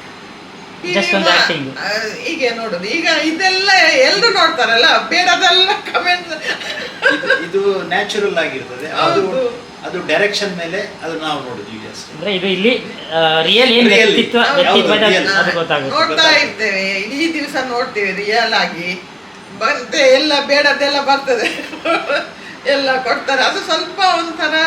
[SPEAKER 1] Just ಒಂದು acting.
[SPEAKER 2] ಆ, ಹೀಗೆ ನೋಡುದು. ಈಗ ಇದೆಲ್ಲ ಎಲ್ರು ನೋಡ್ತಾರಲ್ಲ, ಬೇಡದೆಲ್ಲ ಕಮೆಂಟ್.
[SPEAKER 3] ಇದು- ಇದು ನ್ಯಾಚುರಲ್ ಆಗಿರ್ತದೆ. ಅದು
[SPEAKER 2] ಹೌದು.
[SPEAKER 3] ಅದು ಡೈರೆಕ್ಷನ್ ಮೇಲೆ ಅದು ನಾವು ನೋಡುದು ಈಗ ಅಷ್ಟೇ.
[SPEAKER 1] ಅಂದ್ರೆ ಇದು ಇಲ್ಲಿ ರಿಯಲ್ ಏನ್
[SPEAKER 3] Really.
[SPEAKER 1] ವ್ಯಕ್ತಿತ್ವ
[SPEAKER 3] ಹೌದು,
[SPEAKER 1] ವ್ಯಕ್ತಿತ್ವದ
[SPEAKER 3] real.
[SPEAKER 1] ಅದು ಗೊತ್ತಾಗುತ್ತೆ.
[SPEAKER 2] ನೋಡ್ತಾ
[SPEAKER 3] ಗೊತ್ತಾಗುತ್ತೆ.
[SPEAKER 2] ಇರ್ತೇವೆ, ಇಡೀ ದಿವಸ ನೋಡ್ತೇವೆ ರಿಯಲ್ ಆಗಿ. ಬಂತೆ ಎಲ್ಲ ಬೇಡದೆಲ್ಲ ಬರ್ತದೆ ಎಲ್ಲ ಕೊಡ್ತಾರೆ. ಅದು ಸ್ವಲ್ಪ ಒಂಥರ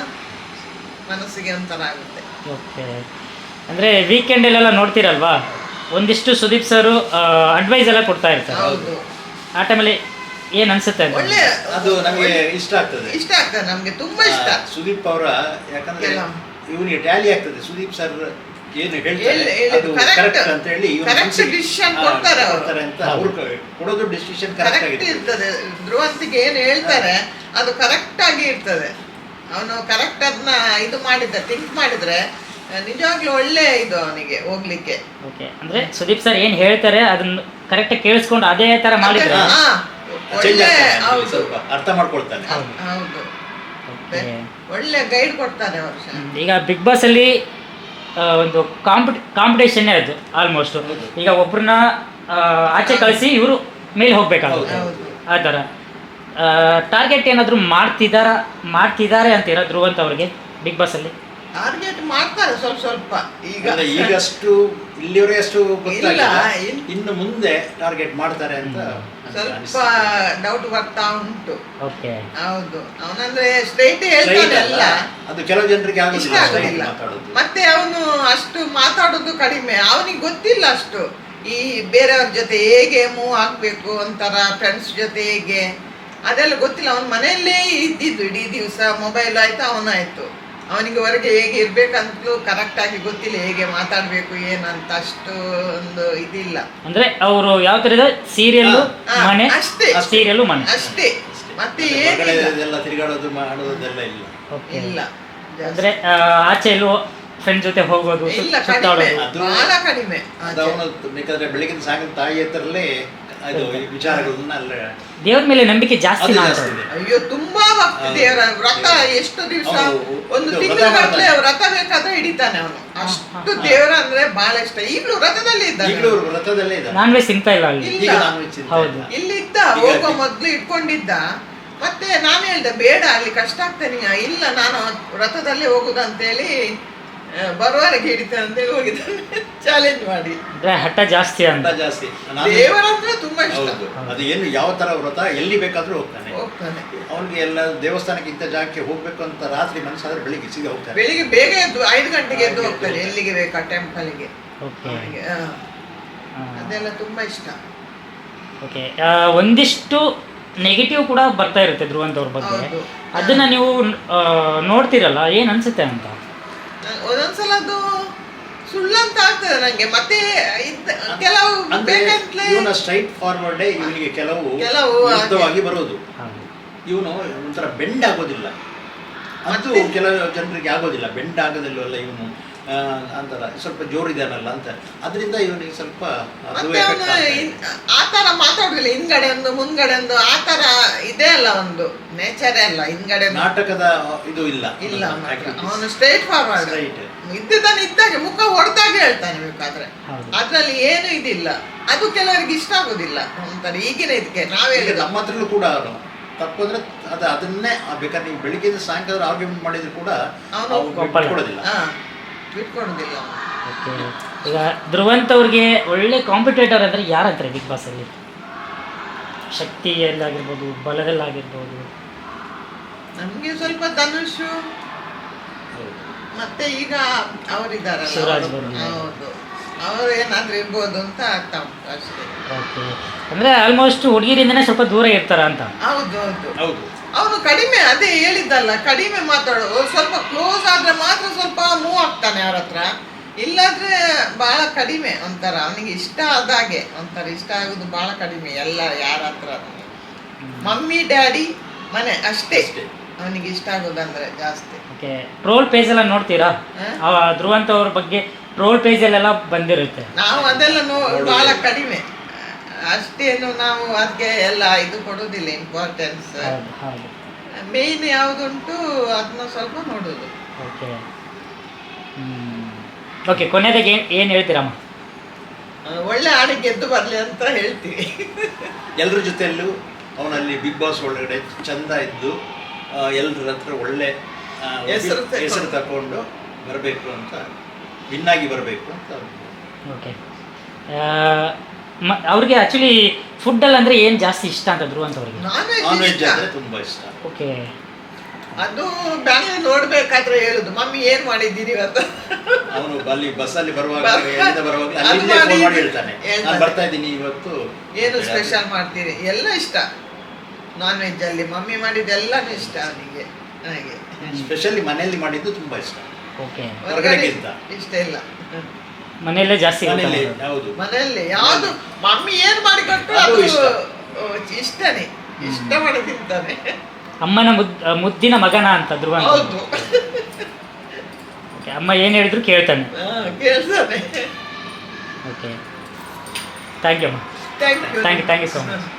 [SPEAKER 2] ಮನಸ್ಸಿಗೆ ಒಂಥರ ಆಗುತ್ತೆ.
[SPEAKER 1] ಓಕೆ. ಅಂದ್ರೆ ವೀಕೆಂಡಲ್ಲೆಲ್ಲ ನೋಡ್ತೀರಲ್ವಾ, ಒಂದಿಷ್ಟು ಸುದೀಪ್ ಸರ್ ಅಡ್ವೈಸ್ ಎಲ್ಲ ಕೊಡ್ತಾ ಇರ್ತಾರೆ.
[SPEAKER 2] ಹೌದು,
[SPEAKER 1] ಆ ಟೈಮಲ್ಲಿ ಏನ್ ಅನ್ಸುತ್ತೆ ಅಂತ?
[SPEAKER 2] ಒಳ್ಳೆ
[SPEAKER 3] ಅದು ನಮಗೆ ಇಷ್ಟ ಆಗ್ತದೆ.
[SPEAKER 2] ಇಷ್ಟ ಆಗ್ತದೆ, ನಮ್ಗೆ ತುಂಬಾ ಇಷ್ಟ.
[SPEAKER 3] ಆ, ಸುದೀಪ್ ಅವರ, ಯಾಕಂದ್ರೆ
[SPEAKER 2] ಎಲ್ಲ.
[SPEAKER 3] ಇವನಿಗೆ ಟ್ಯಾಲಿ ಆಗ್ತದೆ. ಸುದೀಪ್ ಸರ್ ಏನು ಹೇಳ್ತಾರೆ
[SPEAKER 2] ಹೇಳಿ- ಹೇಳಿದ್ದು
[SPEAKER 3] ಅದು
[SPEAKER 2] correct.
[SPEAKER 3] ಕರೆಕ್ಟ್ ಅಂತ ಹೇಳಿ ಇವ್ನ
[SPEAKER 2] Correct
[SPEAKER 3] ಮನ್ಸಿಗೆ-
[SPEAKER 2] decision
[SPEAKER 3] ಆ,
[SPEAKER 2] ಕೊಡ್ತಾರೆ ಅವ್ರು.
[SPEAKER 3] ಕೊಡ್ತಾರೆ ಅಂತ ಅವ್ರು ಕೊಡೋದು ಡಿಸಿಷನ್ ಕರೆಕ್ಟ್
[SPEAKER 2] ಕರೆಕ್ಟ್
[SPEAKER 3] ಆಗಿದೆ.
[SPEAKER 2] ಇರ್ತದೆ. ಧ್ರುವಂತಿಗೆ ಏನು ಹೇಳ್ತಾರೆ ಅದು ಕರೆಕ್ಟ್ ಆಗಿ ಇರ್ತದೆ. ಅವನು ಕರೆಕ್ಟ್ ಅದನ್ನ ಇದು ಮಾಡಿದ್ರೆ, ಥಿಂಕ್ ಮಾಡಿದ್ರೆ ನಿಜವಾಗ್ಲೂ ಒಳ್ಳೆ ಇದು ಅವನಿಗೆ ಹೋಗ್ಲಿಕ್ಕೆ.
[SPEAKER 1] ಓಕೆ. ಅಂದ್ರೆ ಸುದೀಪ್ ಸರ್ ಏನ್ ಹೇಳ್ತಾರೆ ಅದನ್ನ ಕರೆಕ್ಟ್ ಕೇಳಿಸ್ಕೊಂಡು ಅದೇ ತರ ಮಾಡಿದ್ರೆ.
[SPEAKER 2] ಹಾ,
[SPEAKER 3] ಚೇಂಜ್
[SPEAKER 2] ಒಳ್ಳೆ.
[SPEAKER 3] ಆಗ್ತಾನೆ,
[SPEAKER 2] ಹೌದು
[SPEAKER 3] ಸ್ವಲ್ಪ ಅರ್ಥ ಮಾಡ್ಕೊಳ್ತಾನೆ.
[SPEAKER 1] ಹೌದು.
[SPEAKER 2] ಹೌದು,
[SPEAKER 1] ಓಕೆ.
[SPEAKER 2] ಒಳ್ಳೆ ಗೈಡ್ ಕೊಡ್ತಾನೆ ಅವರು.
[SPEAKER 1] ಹ್ಮ್. ಈಗ ಬಿಗ್ ಬಾಸ್ ಅಲ್ಲಿ ಆ, ಒಂದು ಕಾಂಪಿಟ್ ಕಾಂಪಿಟೇಷನ್ನೇ ಅದು ಆಲ್ಮೋಸ್ಟ್.
[SPEAKER 3] ಹೌದು.
[SPEAKER 1] ಈಗ ಒಬ್ರನ್ನ ಆ, ಆಚೆ ಕಳಿಸಿ ಇವರು ಮೇಲೆ ಹೋಗ್ಬೇಕಾಗುತ್ತೆ.
[SPEAKER 2] ಹೌದು.
[SPEAKER 1] ಆ ಥರ ಟಾರ್ಗೆಟ್ ಏನಾದರೂ ಮಾಡ್ತಿದಾರ ಮಾಡ್ತಿದ್ದಾರೆ ಅಂತೀರಾ ಧ್ರುವಂತ್ ಅವ್ರಿಗೆ ಬಿಗ್ ಬಾಸ್ ಅಲ್ಲಿ?
[SPEAKER 2] ಟಾರ್ಗೆಟ್ ಮಾಡ್ತಾರೆ ಸ್ವಲ್ಪ ಸ್ವಲ್ಪ ಈಗ
[SPEAKER 3] ಅಂದ್ರೆ ಈಗಷ್ಟು ಇಲ್ಲಿವರೆಗೆ ಅಷ್ಟು ಗೊತ್ತಾಗಿಲ್ಲ,
[SPEAKER 2] ಇಲ್ಲ, ಇನ್-
[SPEAKER 3] ಇನ್ನು ಮುಂದೆ ಟಾರ್ಗೆಟ್ ಮಾಡ್ತಾರೆ ಅಂತ
[SPEAKER 2] ಸ್ವಲ್ಪ
[SPEAKER 3] ಅನಿಸ್ತದೆ.
[SPEAKER 2] ಡೌಟ್ ಬರ್ತಾ ಉಂಟು.
[SPEAKER 1] ಓಕೆ.
[SPEAKER 2] ಹೌದು, ಅವನಂದ್ರೆ ಸ್ಟ್ರೈಟ್
[SPEAKER 3] Straight
[SPEAKER 2] ಹೇಳ್ತಾನೆ
[SPEAKER 3] ಅಲ್ಲ,
[SPEAKER 2] ಎಲ್ಲ,
[SPEAKER 3] ಅದು ಕೆಲವು ಜನರಿಗೆ
[SPEAKER 2] ಇಷ್ಟ
[SPEAKER 3] ಆಗುದಿಲ್ಲ straight
[SPEAKER 2] ಆಗುದಿಲ್ಲ.
[SPEAKER 3] ಮಾತಾಡೋದು.
[SPEAKER 2] ಮತ್ತೆ ಅವನು ಅಷ್ಟು ಮಾತಾಡೋದು ಕಡಿಮೆ, ಅವನಿಗೆ ಗೊತ್ತಿಲ್ಲ ಅಷ್ಟು ಈ ಬೇರೆಯವ್ರ ಜೊತೆ ಹೇಗೆ ಮೂವ್ ಆಗ್ಬೇಕು ಒಂಥರ ಫ್ರೆಂಡ್ಸ್ ಜೊತೆ ಹೇಗೆ ಅದೆಲ್ಲ ಗೊತ್ತಿಲ್ಲ. ಅವನ ಮನೆಯಲ್ಲೇ ಇದ್ದಿದ್ದು ಇಡೀ ದಿವಸ, ಮೊಬೈಲ್ ಆಯ್ತು ಅವನಾಯ್ತು, ಅವನಿಗೆ ಹೊರಗೆ ಹೇಗೆ ಇರ್ಬೇಕಂತಲೂ ಕರೆಕ್ಟ್ ಆಗಿ ಗೊತ್ತಿಲ್ಲ, ಹೇಗೆ ಮಾತಾಡ್ಬೇಕು ಏನಂತ ಅಷ್ಟು ಒಂದು ಇದಿಲ್ಲ.
[SPEAKER 1] ಅಂದ್ರೆ ಅವರು ಯಾವ ತರ ಸೀರಿಯಲ್
[SPEAKER 2] ಹಾ,
[SPEAKER 1] ಮನೆ,
[SPEAKER 2] ಅಷ್ಟೇ.
[SPEAKER 1] ಸೀರಿಯಲ್ ಮನೆ
[SPEAKER 2] ಅಷ್ಟೇ, ಮತ್ತೆ
[SPEAKER 3] ಹೊರಗಡೆ
[SPEAKER 2] ಏನಿಲ್ಲ
[SPEAKER 3] ಇದೆಲ್ಲ ತಿರುಗಾಡೋದು ಮಾಡೋದೆಲ್ಲ ಇಲ್ಲ.
[SPEAKER 1] ಓಕೆ.
[SPEAKER 2] ಇಲ್ಲ ಜಾಸ್ತಿ.
[SPEAKER 1] ಅಂದ್ರೆ ಆ, ಆಚೆ ಎಲ್ಲೂ ಫ್ರೆಂಡ್ ಜೊತೆ ಹೋಗೋದು, ಸು-
[SPEAKER 2] ಇಲ್ಲ, ಕಡಿಮೆ,
[SPEAKER 1] ಸುತ್ತಾಡೋದು.
[SPEAKER 3] ಅದು-
[SPEAKER 2] ಬಹಳ ಕಡಿಮೆ.
[SPEAKER 3] ಅದು ಅವನು ಬೇಕಾದ್ರೆ ಬೆಳಗಿನ ಸಾಯಂಕಾಲ ತಾಯಿ ಹತ್ರಲ್ಲೇ ಅದು ಈ ವಿಚಾರಗಳನ್ನ ಎಲ್ಲ
[SPEAKER 1] ದೇವ್ರ ಮೇಲೆ ನಂಬಿಕೆ ಜಾಸ್ತಿ
[SPEAKER 3] ಅದು
[SPEAKER 1] ಮಾಡ್ತಾರೆ.
[SPEAKER 3] ಜಾಸ್ತಿ ಇದೆ.
[SPEAKER 2] ಅಯ್ಯೋ ತುಂಬಾ ಭಕ್ತಿ,
[SPEAKER 3] ಹೌದು.
[SPEAKER 2] ದೇವರ ವ್ರತ ಎಷ್ಟು ದಿವಸ,
[SPEAKER 3] ಹೌದು.
[SPEAKER 2] ಒಂದು
[SPEAKER 3] ಇದು
[SPEAKER 2] ತಿಂಗಳ
[SPEAKER 3] ವ್ರತ
[SPEAKER 2] ಗಟ್ಟಲೆ
[SPEAKER 3] ಮಾಡ್ತಾನೆ.
[SPEAKER 2] ವ್ರತ ಬೇಕಾದ್ರೆ ಹಿಡಿತಾನೆ ಅವನು,
[SPEAKER 1] ಹಾ,
[SPEAKER 2] ಅಷ್ಟು
[SPEAKER 1] ಹಾ.
[SPEAKER 2] ದೇವರ ಅಂದ್ರೆ ಬಹಳ ಇಷ್ಟ. ಈಗಲೂ ವ್ರತದಲ್ಲಿ ಇದ್ದಾನೆ
[SPEAKER 3] ಈಗಲೂ
[SPEAKER 2] ಅವನು.
[SPEAKER 3] ವ್ರತದಲ್ಲೇ ಇದ್ದಾರೆ.
[SPEAKER 1] ನಾನ್ ವೆಜ್ ತಿಂತಾ ಇಲ್ಲ ಅಲ್ಲಿ.
[SPEAKER 2] ಇಲ್ಲ.
[SPEAKER 3] ಈಗ ನಾನು ಚಿಂತೆ
[SPEAKER 1] ಹೌದು.
[SPEAKER 3] ಇಲ್ಲ.
[SPEAKER 2] ಇಲ್ಲಿದ್ದ
[SPEAKER 3] ಈಗ
[SPEAKER 2] ಹೋಗೋ
[SPEAKER 3] ಅಲ್ಲಿ-
[SPEAKER 2] ಮೊದ್ಲು ಇಟ್ಕೊಂಡಿದ್ದ, ಮತ್ತೆ ನಾನು ಹೇಳ್ದೆ ಬೇಡ ಅಲ್ಲಿ ಕಷ್ಟ ಆಗ್ತೇನೆ, ಇಲ್ಲ ನಾನು ವ್ರತದಲ್ಲೇ ಹೋಗುದಂತೇಳಿ ಆ, ಬರುವವರೆಗೆ ಹಿಡಿತೇನೆ ಅಂತೇಳಿ ಹೋಗಿದ್ದಾನೆ ಚಾಲೆಂಜ್ ಮಾಡಿ.
[SPEAKER 1] ಅಂದ್ರೆ ಹಠ ಜಾಸ್ತಿ ಅಂತ.
[SPEAKER 3] ಹಠ ಜಾಸ್ತಿ. ನಾನು-
[SPEAKER 2] ದೇವರಂದ್ರೆ ತುಂಬಾ ಇಷ್ಟ.
[SPEAKER 3] ಹೌದು. ಅದು ಏನು ಯಾವ ತರ ವ್ರತ ಎಲ್ಲಿ ಬೇಕಾದ್ರೂ ಹೋಗ್ತಾನೆ.
[SPEAKER 2] ಹೋಗ್ತಾನೆ
[SPEAKER 3] ಅವನಿಗೆ ಎಲ್ಲ ದೇವಸ್ಥಾನಕ್ಕೆ ಇಂಥ ಜಾಗಕ್ಕೆ ಹೋಗ್ಬೇಕು ಅಂತ ರಾತ್ರಿ ಮನಸ್ಸಾದ್ರೆ ಬೆಳಿಗ್ಗೆ ಸೀದಾ ಹೋಗ್ತಾನೆ.
[SPEAKER 2] ಬೆಳಿಗ್ಗೆ ಬೇಗ ಎದ್ದು ಐದು ಗಂಟೆಗೆ ಎದ್ದು ಹೋಗ್ತಾನೆ ಎಲ್ಲಿಗೆ ಬೇಕಾ ಟೆಂಪಲ್ಗೆ.
[SPEAKER 1] ಓಕೆ.
[SPEAKER 2] ಅವನಿಗೆ, ಆ, ಅದೆಲ್ಲ ತುಂಬಾ ಇಷ್ಟ.
[SPEAKER 1] ಓಕೆ. ಒಂದಿಷ್ಟು ನೆಗೆಟಿವ್ ಕೂಡ ಬರ್ತಾ ಇರುತ್ತೆ ಧ್ರುವಂತ್ ಅವ್ರ ಬಗ್ಗೆ.
[SPEAKER 2] ಹೌದು.
[SPEAKER 1] ಅದನ್ನ ನೀವು ಆ, ನೋಡ್ತಿರಲ್ಲ, ಏನ್ ಅನ್ಸುತ್ತೆ ಅಂತ?
[SPEAKER 2] ಒಂದೊಂದ್ಸಲ ಅದು ಸುಳ್ಳಂತ ಆಗ್ತದೆ ನಂಗೆ, ಮತ್ತೆ ಇದ್- ಕೆಲವು
[SPEAKER 3] ಅಂದ್ರೆ
[SPEAKER 2] ಬೇಕಂತಲೇ
[SPEAKER 3] ಇವನ ಸ್ಟ್ರೈಟ್ ಫಾರ್ವರ್ಡ್ ಇವನಿಗೆ ಕೆಲವು
[SPEAKER 2] ಕೆಲವು
[SPEAKER 3] ವಿರುದ್ಧವಾಗಿ ಬರೋದು.
[SPEAKER 1] ಹೌದು.
[SPEAKER 3] ಇವನು ಒಂಥರ ಬೆಂಡ್ ಆಗೋದಿಲ್ಲ, ಅದು
[SPEAKER 2] ಮತ್ತೆ?
[SPEAKER 3] ಕೆಲವು ಜನರಿಗೆ ಆಗೋದಿಲ್ಲ. ಬೆಂಡ್ ಆಗೋದಿಲ್ಲವಲ್ಲ ಇವನು ಅಂತಾರ ಸ್ವಲ್ಪ ಜೋರಿದಾನಲ್ಲ ಅಂತ, ಅದರಿಂದ ಇವನಿಗೆ ಸ್ವಲ್ಪ ಅದು
[SPEAKER 2] ಮತ್ತೆ
[SPEAKER 3] effect
[SPEAKER 2] ಅವನು
[SPEAKER 3] ಆಗ್ತಾ ಇದೆ.
[SPEAKER 2] ಇನ್- ಆ ತರ ಮಾತಾಡುದಿಲ್ಲ, ಹಿಂದ್ಗಡೆ ಒಂದು ಮುಂದ್ಗಡೆ ಒಂದು ಆ ತರ ಇದೆ ಅಲ್ಲ, ಒಂದು ನೇಚರೇ ಅಲ್ಲ ಹಿಂದ್ಗಡೆ ಒಂದು-
[SPEAKER 3] ನಾಟಕದ ಇದು ಇಲ್ಲ
[SPEAKER 2] ಇಲ್ಲ ಅವನು ಸ್ಟ್ರೈಟ್ ಫಾರ್ವರ್ಡ್
[SPEAKER 3] Straight.
[SPEAKER 2] ಇದ್ದಿದ್ದಾನೆ, ಇದ್ದಾಗೆ ಮುಖ ಹೊಡೆದಾಗ ಹೇಳ್ತಾನೆ ಬೇಕಾದ್ರೆ,
[SPEAKER 1] ಹೌದು.
[SPEAKER 2] ಅದ್ರಲ್ಲಿ ಏನು ಇದಿಲ್ಲ. ಅದು ಕೆಲವರಿಗೆ ಇಷ್ಟ ಆಗುದಿಲ್ಲ ಒಂಥರ ಈಗಿನ ಇದಕ್ಕೆ ನಾವ್
[SPEAKER 3] ಈಗ
[SPEAKER 2] ಹೇಳಿದ
[SPEAKER 3] ನಮ್ಮ ಹತ್ರಲ್ಲೂ ಕೂಡ ಅವನು ತಪ್ಪಂದ್ರೆ ಅದು ಅದನ್ನೇ ಆ ಬೇಕಾದ್ರೆ ನೀವು ಬೆಳಿಗ್ಗೆ ಸಾಯಂಕಾಲ ಆರ್ಗ್ಯುಮೆಂಟ್ ಮಾಡಿದ್ರು ಕೂಡ
[SPEAKER 2] ಅವನು
[SPEAKER 3] ಅವ್ನು
[SPEAKER 1] ಒಪ್ಪಲ್ಲ.
[SPEAKER 3] ಬಿಟ್ಕೊಡೋದಿಲ್ಲ.
[SPEAKER 2] ಹಾ ಬಿಟ್ಕೊಡುದಿಲ್ಲ ಅವನು.
[SPEAKER 1] ಓಕೆ. ಈಗ ಧ್ರುವಂತ್ ಅವ್ರಿಗೆ ಒಳ್ಳೆ ಕಾಂಪಿಟೇಟರ್ ಅಂದ್ರೆ ಯಾರಂತಾರೆ ಬಿಗ್ ಬಾಸ್ ಅಲ್ಲಿ? ಶಕ್ತಿಯಲ್ಲಾಗಿರ್ಬೋದು, ಬಲದಲ್ಲಾಗಿರ್ಬೋದು.
[SPEAKER 2] ನಮ್ಗೆ ಸ್ವಲ್ಪ ಧನುಷ್
[SPEAKER 3] ಹೌದು.
[SPEAKER 2] ಮತ್ತೆ ಈಗ ಅವರಿದ್ದಾರಲ್ಲ
[SPEAKER 1] ಶಿವರಾಜ್
[SPEAKER 2] ಅವರು-
[SPEAKER 1] ಬರೋದು.
[SPEAKER 2] ಹೌದು, ಅವರು ಏನಾದ್ರೂ ಇರ್ಬೋದು ಅಂತ ಆಗ್ತಾ ಉಂಟು ಅಷ್ಟೇ.
[SPEAKER 1] ಓಕೆ. ಅಂದ್ರೆ ಆಲ್ಮೋಸ್ಟ್ ಹುಡುಗಿರಿಂದನೇ ಸ್ವಲ್ಪ ದೂರ ಇರ್ತಾರ ಅಂತ.
[SPEAKER 2] ಹೌದು ಹೌದು
[SPEAKER 3] ಹೌದು.
[SPEAKER 2] ಅವನು ಕಡಿಮೆ, ಅದೇ ಹೇಳಿದ್ದಲ್ಲ, ಕಡಿಮೆ ಮಾತಾಡೋದು. ಸ್ವಲ್ಪ ಕ್ಲೋಸ್ ಆದ್ರೆ ಮಾತ್ರ ಸ್ವಲ್ಪ ಮೂವ್ ಆಗ್ತಾನೆ ಅವ್ರ ಹತ್ರ, ಇಲ್ಲಾದ್ರೆ ಬಹಳ ಕಡಿಮೆ. ಒಂಥರ ಅವನಿಗೆ ಇಷ್ಟ ಆದಾಗೆ, ಒಂಥರ ಇಷ್ಟ ಆಗುದು ಬಹಳ ಕಡಿಮೆ ಎಲ್ಲ ಯಾರ ಹತ್ರ. ಮಮ್ಮಿ ಡ್ಯಾಡಿ ಮನೆ ಅಷ್ಟೇ
[SPEAKER 3] ಅಷ್ಟೇ.
[SPEAKER 2] ಅವನಿಗೆ ಇಷ್ಟ ಆಗೋದಂದ್ರೆ ಜಾಸ್ತಿ.
[SPEAKER 1] ಓಕೆ. ಟ್ರೋಲ್ ಪೇಜ್ ಎಲ್ಲ ನೋಡ್ತೀರಾ?
[SPEAKER 2] ಹ?
[SPEAKER 1] ಆ ಧ್ರುವಂತ್ ಅವ್ರ ಬಗ್ಗೆ ಟ್ರೋಲ್ ಪೇಜಲ್ಲೆಲ್ಲ ಬಂದಿರುತ್ತೆ.
[SPEAKER 2] ನಾವು ಅದೆಲ್ಲ ನೋ
[SPEAKER 3] ನೋಡುದಿಲ್ಲ.
[SPEAKER 2] ಬಹಳ ಕಡಿಮೆ, ಅಷ್ಟೇನು ನಾವು ಅದಕ್ಕೆ ಎಲ್ಲ ಇದು ಕೊಡೋದಿಲ್ಲ ಇಂಪಾರ್ಟೆನ್ಸ್.
[SPEAKER 1] ಹೌದು ಹೌದು.
[SPEAKER 2] ಮೇಯ್ನ್ ಯಾವುದುಂಟು ಅದನ್ನ ಸ್ವಲ್ಪ ನೋಡೋದು.
[SPEAKER 1] ಓಕೆ. ಹ್ಮ್. ಓಕೆ, ಕೊನೆಯದಾಗಿ ಏನು ಏನು ಹೇಳ್ತೀರಮ್ಮ?
[SPEAKER 2] ಆ, ಒಳ್ಳೆ ಹಾಡು ಗೆದ್ದು ಬರಲಿ ಅಂತ ಹೇಳ್ತೀವಿ.
[SPEAKER 3] ಎಲ್ಲರ ಜೊತೆಯಲ್ಲೂ ಅವನಲ್ಲಿ ಬಿಗ್ ಬಾಸ್ ಒಳಗಡೆ ಚಂದ ಇದ್ದು ಎಲ್ಲರ ಹತ್ರ ಒಳ್ಳೆ ಆ,
[SPEAKER 2] ಹೆಸರು ತಕೊಂಡು.
[SPEAKER 3] ಹೆಸರು ತಗೊಂಡು ಬರಬೇಕು ಅಂತ, ವಿನ್ನಾಗಿ ಬರಬೇಕು ಅಂತ.
[SPEAKER 1] ಓಕೆ. ಮ ಅವ್ರಿಗೆ ಆ್ಯಕ್ಚುಲಿ ಫುಡ್ಡಲ್ಲಿ ಅಂದರೆ ಏನು ಜಾಸ್ತಿ ಇಷ್ಟ ಅಂತ ಧ್ರುವಂತ್ ಅವ್ರಿಗೆ?
[SPEAKER 2] ನಾನ್
[SPEAKER 3] ನಾನ್
[SPEAKER 2] ವೆಜ್
[SPEAKER 3] ವೆಜ್
[SPEAKER 2] ಇಷ್ಟ.
[SPEAKER 3] ಅಂದರೆ ತುಂಬ ಇಷ್ಟ.
[SPEAKER 1] ಓಕೆ.
[SPEAKER 2] ಅದು ಬ್ಯಾಂಗ್ಳೂರ್ ನೋಡ್ಬೇಕಾದ್ರೆ ಹೇಳುದು, ಮಮ್ಮಿ ಏನ್ ಮಾಡಿದ್ದೀರಿ ಇವತ್ತು.
[SPEAKER 3] ಅವನು ಅಲ್ಲಿ ಬಸ್ಸಲ್ಲಿ ಬರುವಾಗ
[SPEAKER 2] ಬರ್-
[SPEAKER 3] ಎಲ್ಲಿಂದ ಬರುವಾಗ
[SPEAKER 2] ಅದು
[SPEAKER 3] ಅಲ್ಲಿಂದ ಫೋನ್ ಮಾಡಿ
[SPEAKER 2] ಮಾಡಿ
[SPEAKER 3] ಹೇಳ್ತಾನೆ,
[SPEAKER 2] ಹೇಳ್ತಾನೆ.
[SPEAKER 3] ನಾನು ಬರ್ತಾ ಇದ್ದೀನಿ ಇವತ್ತು.
[SPEAKER 2] ಏನು ಸ್ಪೆಷಲ್ ಮಾಡ್ತೀರಿ, ಎಲ್ಲ ಇಷ್ಟ. ನಾನ್ ವೆಜ್ ಅಲ್ಲಿ ಮಮ್ಮಿ ಮಾಡಿದ್ದೆಲ್ಲಾನು ಇಷ್ಟ ಅವನಿಗೆ. ಹಾಗೆ
[SPEAKER 3] ಸ್ಪೆಷಲಿ ಮನೆಯಲ್ಲಿ ಮಾಡಿದ್ದು ತುಂಬ ಇಷ್ಟ,
[SPEAKER 1] ಓಕೆ.
[SPEAKER 2] ಹೊರಗಡೆ
[SPEAKER 3] ಹೊರಗಡೆಗಿಂತ.
[SPEAKER 2] ಇಷ್ಟ ಇಲ್ಲ.
[SPEAKER 1] ಮನೆಯಲ್ಲೇ ಜಾಸ್ತಿ ಊಟ
[SPEAKER 3] ಮನೆಯಲ್ಲಿ
[SPEAKER 1] ಮಾಡೋದು.
[SPEAKER 3] ಹೌದು.
[SPEAKER 2] ಮನೆಯಲ್ಲಿ ಯಾವುದು ಮಮ್ಮಿ ಏನ್ ಮಾಡಿ ಕೊಟ್ಟರು
[SPEAKER 3] ಅದು
[SPEAKER 2] ಅದು
[SPEAKER 3] ಇಷ್ಟ.
[SPEAKER 2] ಓ, ಇಷ್ಟನೇ, ಇಷ್ಟ ಮಾಡಿ ತಿಂತಾನೆ.
[SPEAKER 1] ಅಮ್ಮನ ಮುದ್ ಮುದ್ದಿನ ಮಗನ ಅಂತ ಧ್ರುವಂತ್.
[SPEAKER 2] ಹೌದು,
[SPEAKER 1] ಓಕೆ. ಅಮ್ಮ ಏನು ಹೇಳಿದ್ರು ಕೇಳ್ತಾನೆ.
[SPEAKER 2] ಹಾ, ಕೇಳ್ತಾನೆ.
[SPEAKER 1] ಓಕೆ. ಥ್ಯಾಂಕ್ ಯು ಅಮ್ಮ.
[SPEAKER 2] Thank you
[SPEAKER 1] thank you thank you so much.